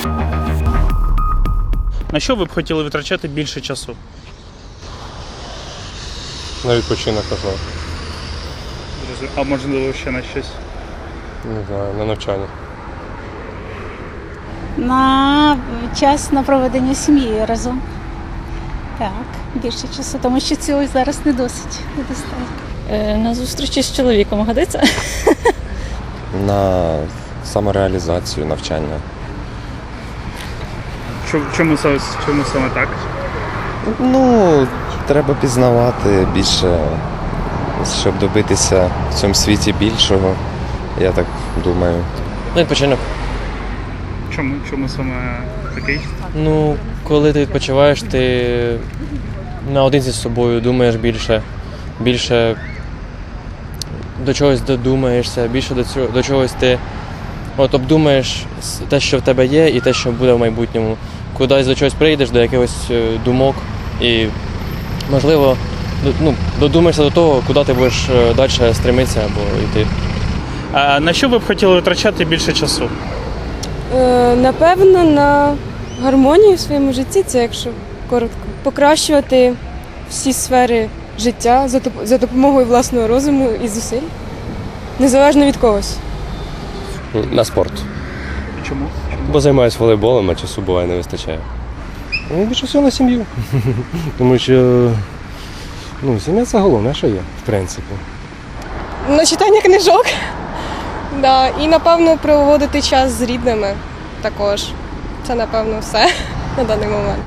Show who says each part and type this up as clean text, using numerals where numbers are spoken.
Speaker 1: На що ви б хотіли витрачати більше часу?
Speaker 2: На відпочинок, можливо.
Speaker 1: А можливо ще на щось?
Speaker 2: Не знаю, на навчання.
Speaker 3: На час на проведення сім'ї разом. Так, більше часу, тому що цього зараз не достатньо.
Speaker 4: На зустрічі з чоловіком годиться?
Speaker 5: На самореалізацію, навчання.
Speaker 1: Чому саме так?
Speaker 5: Ну, треба пізнавати більше, щоб добитися в цьому світі більшого, я так думаю.
Speaker 6: Ну, відпочинок.
Speaker 1: Чому саме такий?
Speaker 6: Ну, коли ти відпочиваєш, ти наодинці з собою думаєш більше до чогось додумаєшся, більше до чогось ти обдумаєш те, що в тебе є, і те, що буде в майбутньому. Кудись до чогось прийдеш, до якихось думок і, можливо, додумаєшся до того, куди ти будеш далі стремитися або йти.
Speaker 1: А на що ви б хотіли витрачати більше часу?
Speaker 7: Напевно, на гармонію в своєму житті, це якщо коротко. Покращувати всі сфери життя за допомогою власного розуму і зусиль, незалежно від когось.
Speaker 2: На спорт.
Speaker 1: Чому?
Speaker 2: Бо займаюся волейболом, а часу буває не вистачає. Ну, більше всього на сім'ю. Тому що сім'я це головне, що є, в принципі.
Speaker 7: На читання книжок. Да. І, напевно, проводити час з рідними також. Це, напевно, все на даний момент.